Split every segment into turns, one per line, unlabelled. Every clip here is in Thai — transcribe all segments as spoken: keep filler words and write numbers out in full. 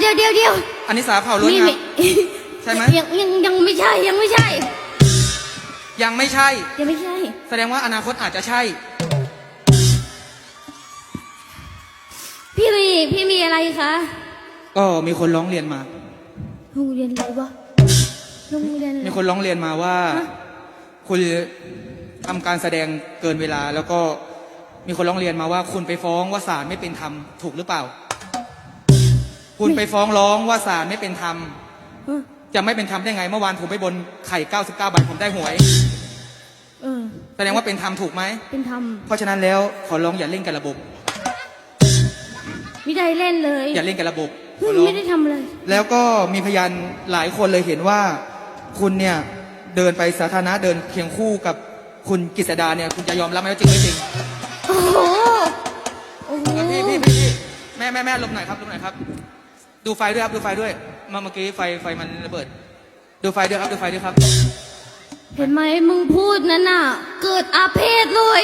ยวเดี๋ยวเดี๋ยว
อันนี้สาวเผ่าล้วนงามใช่ไหม
ยังยังยังไม่ใช่ยังไม่ใช่
ยังไม่ใช่
ยังไม่ใช่
แสดงว่าอนาคตอาจจะใช่
พี่มีพี่มีอะไรคะ
ก็มีคนร้องเรียนมา
โรงเรียนอะไรวะโรงเรียนอะไร
มีคนร้องเรียนมาว่าคุณทำการแสดงเกินเวลา แล้วก็มีคนร้องเรียนมาว่าคุณไปฟ้องว่าศาลไม่เป็นธรรมถูกหรือเปล่าคุณไปฟ้องร้องว่าศาลไม่เป็นธรรมจะไม่เป็นธรรมได้ไงเมื่อวานผมไปบนไข่เก้าสิบเก้าใบผมได้หวยแสดงว่าเป็นธรรมถูกไหม
เป็นธรรม
เพราะฉะนั้นแล้วขอร้องอย่าเล่นกับระบบ
ไม่ได้เล่นเลย
อย่าเล่นกับระบบ
ไม่ได้ทำเลย
แล้วก็มีพยานหลายคนเลยเห็นว่าคุณเนี่ยเดินไปสาธารณะเดินเคียงคู่กับคุณกฤษดาเนี่ยคุณจะยอมรับไหมว่าจริงไม่จริง
โอ้โหโอ้โห
พี่พี่พี่แม่แม่แม่ลบหน่อยครับลบหน่อยครับดูไฟด้วยครับดูไฟด้วยเมื่อกี้ไฟไฟมันระเบิดดูไฟด้วยครับดูไฟด้วยครับ
เห็นไหมมึงพูดนั่นน่ะเกิดอาเพศเลย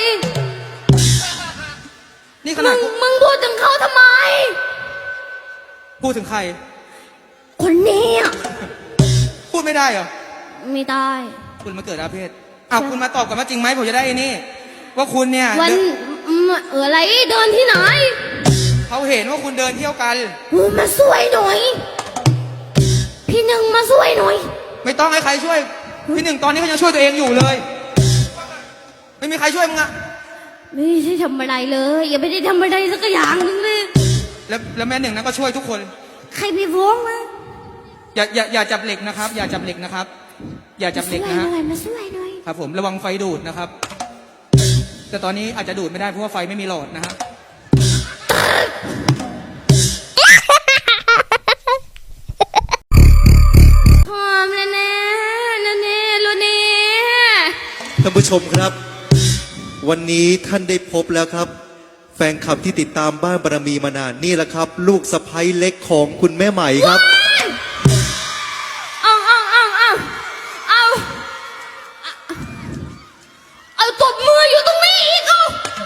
นี่ขนาด
มึงพูดถึงเขาทำไม
พูดถึงใคร
คนนี้
พูดไม่ได้เหรอ
ไม่ได้
คุณมาเกิดอาเพศอ้าวคุณมาตอบกันว่าจริงไหมผมจะได้นี่ว่าคุณเนี่ย
วันเอออะไรเดินที่ไหน
เขาเห็นว่าคุณเดินเที่ยวกัน
มาช่วยหน่อยพี่หนึ่งมาช่วยหน่อย
ไม่ต้องให้ใครช่วยพี่หนึ่งตอนนี้เขายังช่วยตัวเองอยู่เลยไม่มีใครช่วยมึงอะ
ไม่ใช่ทำอะไรเลยอย่าไม่ได้ทำอะไรสักอย่างนึงเลย
แล้วแล้วแม่หนึ่งนั้นก็ช่วยทุกคน
ใครไปฟ้องมา
อย่าอย่าอย่าจับเหล็กนะครับอย่าจับเหล็กนะครับอย่าจับเหล็กนะฮะ
มาช่วยหน่อย
ครับผมระวังไฟดูดนะครับแต่ตอนนี้อาจจะดูดไม่ได้เพราะว่าไฟไม่มีหลอดนะฮะ
หอมแน่แน่แน่แน่ลูนี่
ท่านผู้ชมครับวันนี้ท่านได้พบแล้วครับแฟนคลับที่ติดตามบ้านบารมีมานานนี่แหละครับลูกสะใภ้เล็กของคุณแม่ใหม่ครับ
เอาเอาเอาเอาเอาเอาตบมืออยู่ตรงนี้อีกเอา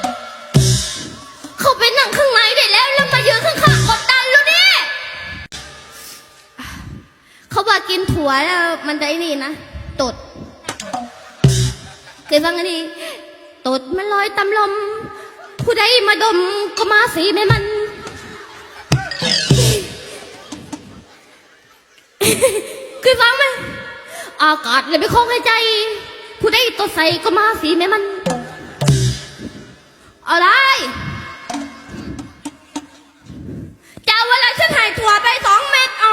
เขาไปนั่งข้างในได้แล้วแล้วมายืนข้างๆกดดันแล้วนี่เขาบอกกินถั่วแล้วมันได้นี่นะตดเคยฟังกันดีตดมันลอยตำลมผู้ใดมาดมก็มาสีไม่มันเคยฟังไหมอากาศเลยไม่คงในใจผู้ใดตดใส่ก็มาสีไม่มันอะไรจะเวลาฉันหายถั่วไปสองเม็ดเอา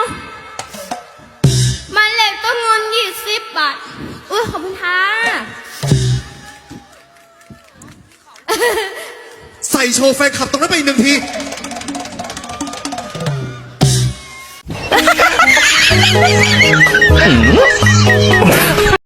มันเล็กต้องเงินยี่สิบบาทอุ้ยขอบคุณค่ะ
ใส่โชว์แฟนคลับตรงนั้นไปอีกหนึ่งที